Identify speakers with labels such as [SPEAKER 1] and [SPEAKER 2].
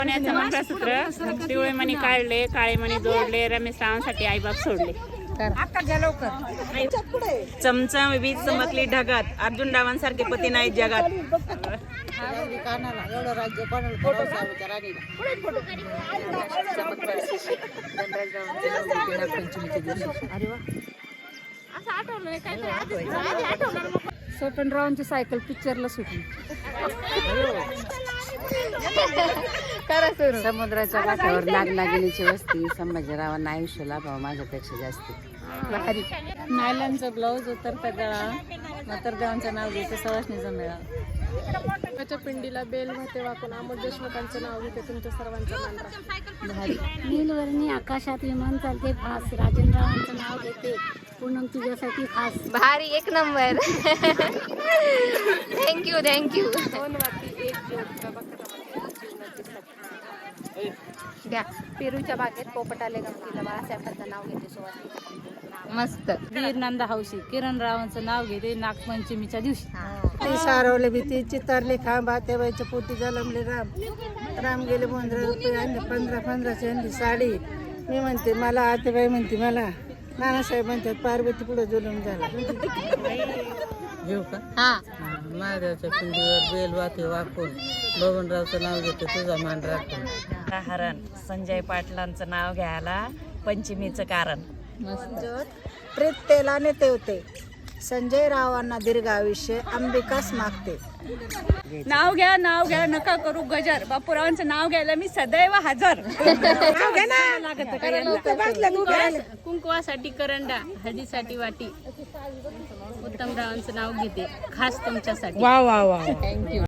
[SPEAKER 1] सोन्याचं मंगळसूत्र पिवळे मणी काढले, काळे मणी जोडले, रमेश रावांसाठी आईबाप सोडले.
[SPEAKER 2] चमचा वीज चमकली ढगात, अर्जुन रावांसारखे पती नाही जगात.
[SPEAKER 3] स्वतंत्ररावांची सायकल पिक्चरला सुटली.
[SPEAKER 4] समुद्राच्या काठावर लागलागिनीची वस्ती, संभाजीरावांना आयुष्य लाभावं माझ्यापेक्षा जास्ती.
[SPEAKER 3] नायलॉनचं ब्लाऊज उतरता गळा, म्हातारदेवांचं नाव घेते, सवासणीचा मेळा.
[SPEAKER 5] त्याच्या पिंडीला बेल वाहते वाकून अमोल देशमुखांचं नाव घेते, तुमच्या सर्वांचा मान राखते.
[SPEAKER 6] नीलवर्णी आकाशात विमान चालते फास, राजेंद्ररावांचं नाव घेते, पूनम तुझ्यासाठी खास.
[SPEAKER 7] भारी, एक नंबर. Thank you thank you. द्या. पेरूच्या बागेत पोपट आले गमतीला, बाळासाहेबांचं नाव घेते, सुवासिनी. मस्त.
[SPEAKER 3] वीर नंदा हौशी, किरण रावांचं नाव घेते, नागपंचमीच्या दिवशी.
[SPEAKER 8] ते सारवले भीती, चितारले खांबा, तेव्हाच्या पोटी जलमले राम. राम गेले 15 रुपये आणले, 1500ची आणली साडी. मी म्हणते मला, आतेबाई म्हणते मला, नानासाहेब म्हणतात पार्वती पुढे जुलूम झाला.
[SPEAKER 2] घेऊ का?
[SPEAKER 7] हा.
[SPEAKER 2] महादेवाच्या पिंडीवर बेल वाहते वाकून, बबनरावचं नाव घेते, तुझा मान राखून. हरण संजय पाटलांचं नाव घ्यायला पंचमीचं कारण.
[SPEAKER 8] प्रीत तेलाने तेवते, संजय रावांना दीर्घ आयुष्य, अंबिकास मागते.
[SPEAKER 1] नाव घ्या नका करू गजर, बापूरावांचं नाव घ्यायला मी सदैव हजर. कुंकवासाठी करंडा, हळदीसाठी वाटी, उत्तमरावांचं नाव घेते, खास तुमच्यासाठी.
[SPEAKER 2] वा वा वा.
[SPEAKER 1] थँक्यू.